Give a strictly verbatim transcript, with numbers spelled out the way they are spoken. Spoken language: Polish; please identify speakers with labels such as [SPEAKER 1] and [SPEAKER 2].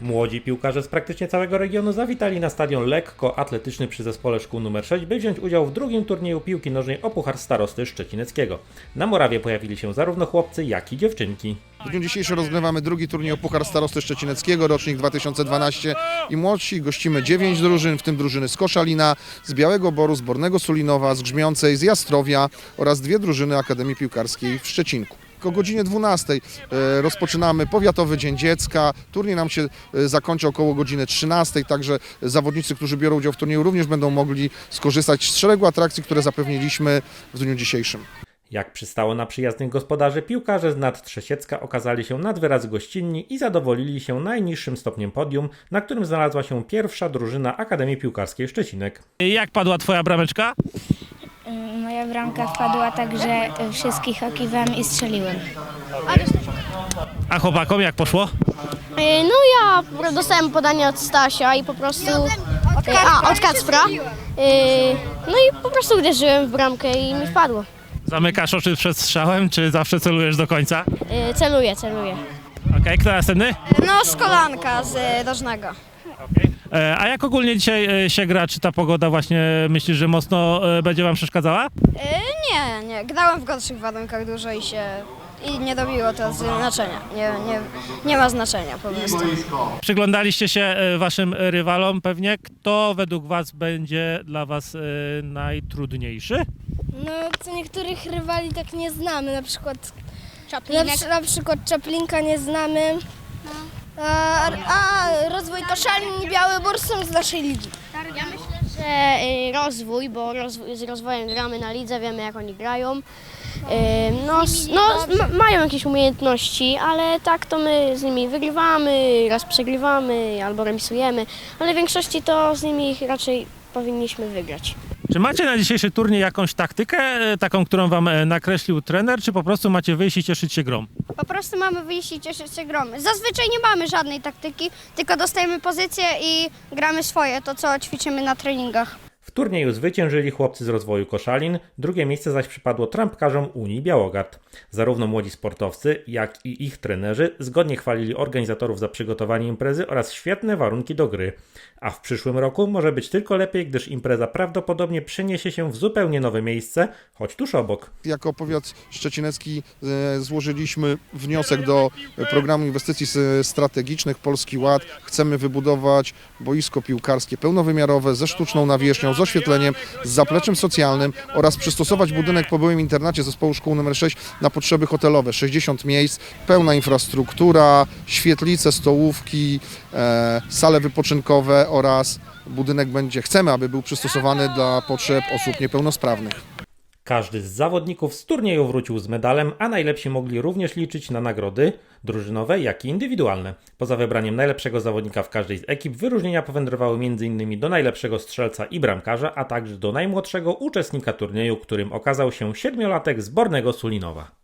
[SPEAKER 1] Młodzi piłkarze z praktycznie całego regionu zawitali na stadion lekkoatletyczny przy zespole szkół numer sześć, by wziąć udział w drugim turnieju piłki nożnej o Puchar Starosty Szczecineckiego. Na murawie pojawili się zarówno chłopcy, jak i dziewczynki.
[SPEAKER 2] W dniu dzisiejszym rozgrywamy drugi turniej o Puchar Starosty Szczecineckiego, rocznik dwa tysiące dwanaście i młodsi. Gościmy dziewięć drużyn, w tym drużyny z Koszalina, z Białego Boru, z Bornego Sulinowa, z Grzmiącej, z Jastrowia oraz dwie drużyny Akademii Piłkarskiej w Szczecinku. O godzinie dwunastej rozpoczynamy Powiatowy Dzień Dziecka. Turniej nam się zakończy około godziny trzynastej, także zawodnicy, którzy biorą udział w turnieju, również będą mogli skorzystać z szeregu atrakcji, które zapewniliśmy w dniu dzisiejszym.
[SPEAKER 1] Jak przystało na przyjaznych gospodarzy, piłkarze z Nadtrzesiecka okazali się nad wyraz gościnni i zadowolili się najniższym stopniem podium, na którym znalazła się pierwsza drużyna Akademii Piłkarskiej Szczecinek.
[SPEAKER 3] Jak padła twoja brameczka?
[SPEAKER 4] Moja bramka wpadła tak, że wszystkich okiwałem i strzeliłem.
[SPEAKER 3] A chłopakom jak poszło?
[SPEAKER 5] No ja dostałem podanie od Stasia i po prostu... A, od Kacpra. No i po prostu uderzyłem w bramkę i mi wpadło.
[SPEAKER 3] Zamykasz oczy przed strzałem, czy zawsze celujesz do końca?
[SPEAKER 5] Celuję, celuję.
[SPEAKER 3] Okej, okay, kto następny?
[SPEAKER 5] No z kolanka, z Rożnego.
[SPEAKER 3] Okay. A jak ogólnie dzisiaj się gra? Czy ta pogoda właśnie myślisz, że mocno będzie wam przeszkadzała?
[SPEAKER 5] Nie, nie. Grałem w gorszych warunkach dużo i się... I nie robiło to znaczenia. Nie, nie, nie ma znaczenia po prostu.
[SPEAKER 3] Przyglądaliście się waszym rywalom pewnie. Kto według was będzie dla was najtrudniejszy?
[SPEAKER 6] No, co niektórych rywali tak nie znamy, na przykład
[SPEAKER 5] Czaplinek.
[SPEAKER 6] na, na przykład Czaplinka nie znamy, a, a rozwój Koszalin i Biały Bór są z naszej ligi.
[SPEAKER 5] Ja myślę, że y, rozwój, bo rozwój, z rozwojem gramy na lidze, wiemy jak oni grają. Y, no, s- no ma, mają jakieś umiejętności, ale tak to my z nimi wygrywamy, raz przegrywamy albo remisujemy, ale w większości to z nimi raczej powinniśmy wygrać.
[SPEAKER 3] Czy macie na dzisiejszy turniej jakąś taktykę, taką, którą wam nakreślił trener, czy po prostu macie wyjść i cieszyć się grą?
[SPEAKER 5] Po prostu mamy wyjść i cieszyć się gromy. Zazwyczaj nie mamy żadnej taktyki, tylko dostajemy pozycję i gramy swoje, to co ćwiczymy na treningach.
[SPEAKER 1] W turnieju zwyciężyli chłopcy z rozwoju Koszalin, drugie miejsce zaś przypadło trampkarzom Unii Białogard. Zarówno młodzi sportowcy, jak i ich trenerzy zgodnie chwalili organizatorów za przygotowanie imprezy oraz świetne warunki do gry. A w przyszłym roku może być tylko lepiej, gdyż impreza prawdopodobnie przeniesie się w zupełnie nowe miejsce, choć tuż obok.
[SPEAKER 2] Jako powiat szczecinecki e, złożyliśmy wniosek do programu inwestycji strategicznych Polski Ład. Chcemy wybudować boisko piłkarskie pełnowymiarowe ze sztuczną nawierzchnią, z oświetleniem, z zapleczem socjalnym oraz przystosować budynek po byłym internacie zespołu szkół numer sześć na potrzeby hotelowe. sześćdziesiąt miejsc, pełna infrastruktura, świetlice, stołówki, e, sale wypoczynkowe oraz budynek będzie, chcemy, aby był przystosowany dla potrzeb osób niepełnosprawnych.
[SPEAKER 1] Każdy z zawodników z turnieju wrócił z medalem, a najlepsi mogli również liczyć na nagrody drużynowe, jak i indywidualne. Poza wybraniem najlepszego zawodnika w każdej z ekip, wyróżnienia powędrowały między innymi do najlepszego strzelca i bramkarza, a także do najmłodszego uczestnika turnieju, którym okazał się siedmiolatek z Bornego Sulinowa.